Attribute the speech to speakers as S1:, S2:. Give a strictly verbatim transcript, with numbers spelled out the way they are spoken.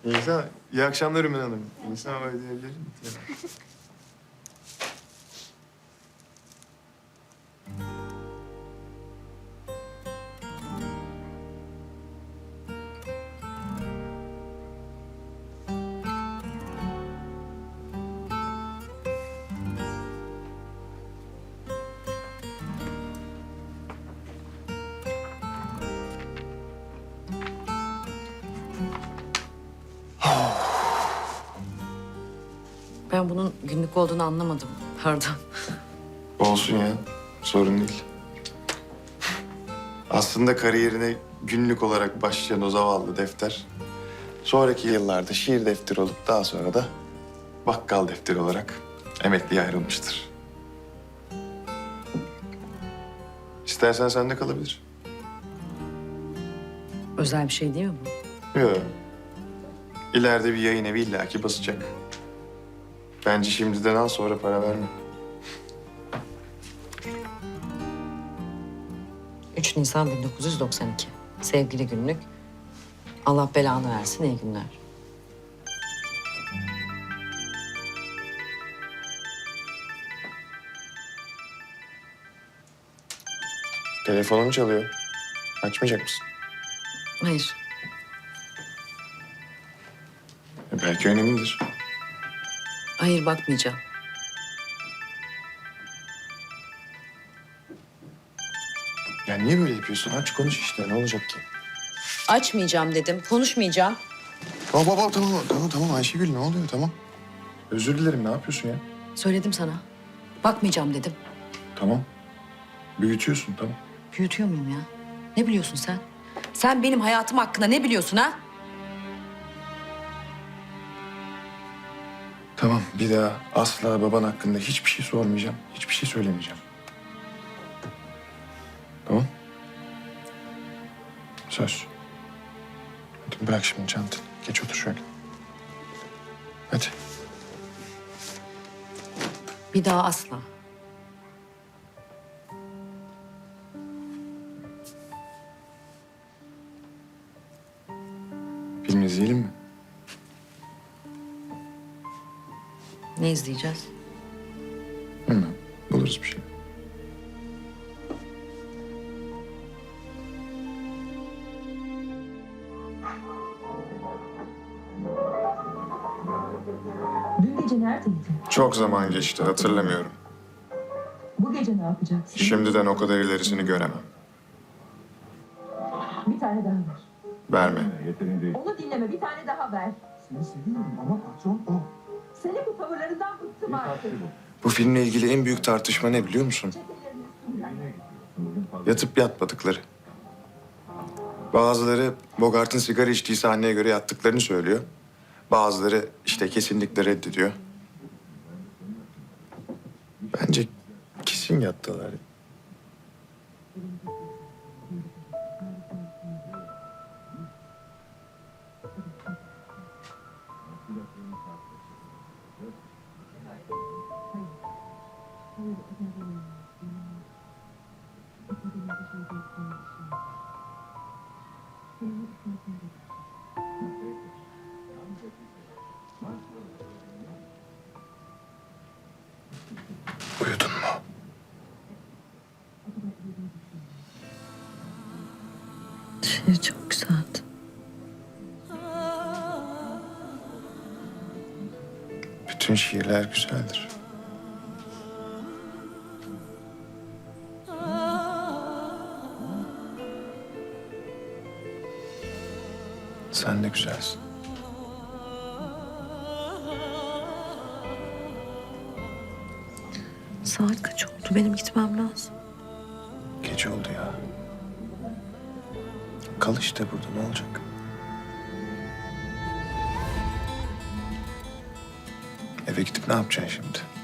S1: Neyse, iyi akşamlar Ümen Hanım. Neyse ama ödeyebilir miyim?
S2: Ben bunun günlük olduğunu anlamadım. Pardon.
S1: Olsun ya, sorun değil. Aslında kariyerine günlük olarak başlayan o zavallı defter... sonraki yıllarda şiir defteri olup daha sonra da bakkal defteri olarak emekliye ayrılmıştır. İstersen sende kalabilir.
S2: Özel bir şey değil mi bu?
S1: Yok. İleride bir yayın evi illaki basacak. Bence şimdiden al, sonra para verme.
S2: üç Nisan bin dokuz yüz doksan iki. Sevgili günlük. Allah belanı versin, iyi günler.
S1: Telefonum çalıyor. Açmayacak mısın?
S2: Hayır.
S1: E, belki önemlidir.
S2: Hayır, bakmayacağım.
S1: Ya niye böyle yapıyorsun? Aç konuş işte. Ne olacak ki?
S2: Açmayacağım dedim, konuşmayacağım.
S1: Tamam baba, tamam tamam tamam Ayşegül, ne oluyor, tamam. Özür dilerim, ne yapıyorsun ya?
S2: Söyledim sana. Bakmayacağım dedim.
S1: Tamam. Büyütüyorsun, tamam.
S2: Büyütüyor muyum ya? Ne biliyorsun sen? Sen benim hayatım hakkında ne biliyorsun ha?
S1: Tamam, bir daha asla baban hakkında hiçbir şey sormayacağım. Hiçbir şey söylemeyeceğim. Tamam. Söz. Hadi bırak şimdi çantanı. Geç otur şöyle. Hadi.
S2: Bir daha asla.
S1: Film izleyelim mi?
S2: Ne izleyeceğiz?
S1: Bilmem. Buluruz bir şey.
S3: Dün gece neredeydin?
S1: Çok zaman geçti, hatırlamıyorum.
S3: Bu gece ne yapacaksın?
S1: Şimdiden o kadar ilerisini göremem.
S3: Bir tane daha ver.
S1: Verme.
S3: Onu dinleme, bir tane daha ver.
S4: Seni seviyorum ama patron o.
S3: Senin bu tavırlarından bıktım artık.
S1: Bu filmle ilgili en büyük tartışma ne biliyor musun?
S3: Çetelerin üstünden.
S1: Yatıp yatmadıkları. Bazıları Bogart'ın sigara içtiği sahneye göre yattıklarını söylüyor. Bazıları işte kesinlikle reddediyor. Bence kesin yattılar. Uyudun mu?
S2: Şiir çok güzeldi.
S1: Bütün şiirler güzeldir. Sen de güzelsin.
S2: Saat kaç oldu? Benim gitmem lazım.
S1: Geç oldu ya. Kal işte burada, ne olacak? Eve gidip ne yapacaksın şimdi?